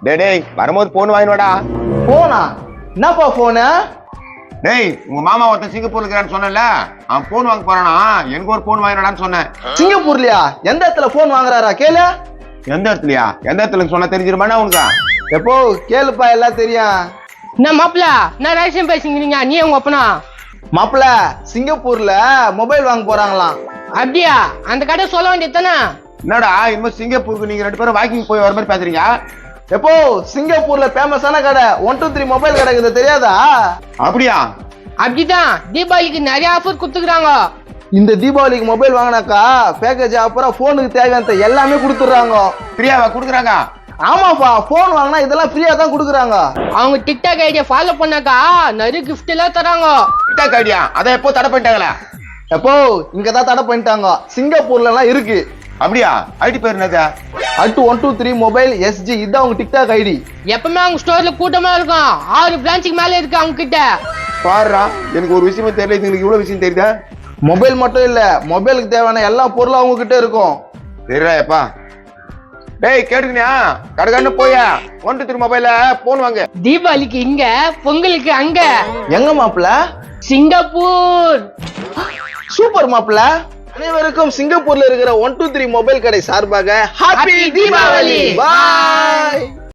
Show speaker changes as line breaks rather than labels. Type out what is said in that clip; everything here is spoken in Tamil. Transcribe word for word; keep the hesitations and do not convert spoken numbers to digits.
டேய் டேய் வரும்போது போன் வாங்கினோடா.
போனா என்னப்பா போனு?
டேய் உங்க மாமா ஒருத்தன் சிங்கப்பூர்ல இருக்கிறான்னு சொன்னல, அவன் போன் வாங்க போறானா, எனக்கு ஒரு போன் வாங்கினடான்னு சொன்னேன்.
சிங்கப்பூர்லயா? எந்த இடத்துல போன் வாங்குறாரா கேளு.
எந்த இடத்துலயா? எந்த இடத்துல சொன்னா தெரிஞ்சிருமாண்ணா உனக்கு?
எப்போ கேளுப்பா, எல்லாம் தெரியும்.
என்ன மாப்பிள, நான் ரகசியம் பேசிக்கிறீங்க நீ உங்க அப்பனா?
மாப்பிள சிங்கப்பூர்ல மொபைல் வாங்க போறாங்களாம்.
அப்படியா? அந்த கடை சொல்ல வேண்டியது தானே.
என்னடா இனிமே சிங்கப்பூருக்கு நீங்க ரெண்டு பேரும் வாக்கிங் போய் வர மாதிரி பேசுறீங்க?
எப்போ சிங்கப்பூர்ல ஃபேமஸான கடை ஒன் டூ த்ரீ மொபைல் கடை இருக்குது, தெரியாதா?
அப்படியா?
அப்படிதான், தீபாவளிக்கு நிறைய ஆஃபர் கொடுத்துக்கிறாங்க.
இந்த தீபாவளிக்கு மொபைல் வாங்கினாக்கா பேக்கேஜ் அப்புறம் போனுக்கு தேவையான எல்லாமே கொடுத்துடுறாங்க.
ஃப்ரீயாவா கொடுக்குறாங்க?
ஆமாப்பா, போன் வாங்கினா இதெல்லாம் ஃப்ரீயா தான் கொடுக்குறாங்க.
அவங்க டிக்டாக் ஐடியா ஃபாலோ பண்ணாக்கா நிறைய கிஃப்ட் எல்லாம் தராங்க.
டிக்டாக் ஐடியா அதை எப்போ தடை பண்ணிட்டாங்களா?
எப்போ இங்கதான் தடை பண்ணிட்டாங்க, சிங்கப்பூர்ல எல்லாம் இருக்கு.
அப்படியா? ஐடி பேர் என்னது?
அட்டு ஒன் டூ த்ரீ மொபைல் எஸ்ஜி, இதான் அவங்க டிக்டாக் ஐடி.
எப்பவுமே அவங்க ஸ்டோர்ல கூட்டமா இருக்கும். ஆறு பிரான்ச்சுக்கு மேல இருக்கு அவங்க கிட்ட.
பாருடா, எனக்கு ஒரு விஷயமே தெரியல, இதுங்களுக்கு இவ்வளவு விஷயம் தெரியுதா?
மொபைல் மட்டும் இல்ல, மொபைலுக்கு தேவையான எல்லா பொருளும் அவங்க கிட்ட இருக்கும்.
சரிடாப்பா. டேய் கேட்டுக்கினியா? கடைக்காரனு போயா one two three mobile phone வாங்க.
தீபாவளிக்கு இங்க, பொங்கலுக்கு அங்க.
எங்க மாப்பிள?
சிங்கப்பூர்.
சூப்பர் மாப்பிள. அனைவருக்கும் சிங்கப்பூர்ல இருக்கிற ஒன் டூ த்ரீ மொபைல் கடை சார்பாக ஹாப்பி தீபாவளி. பாய்.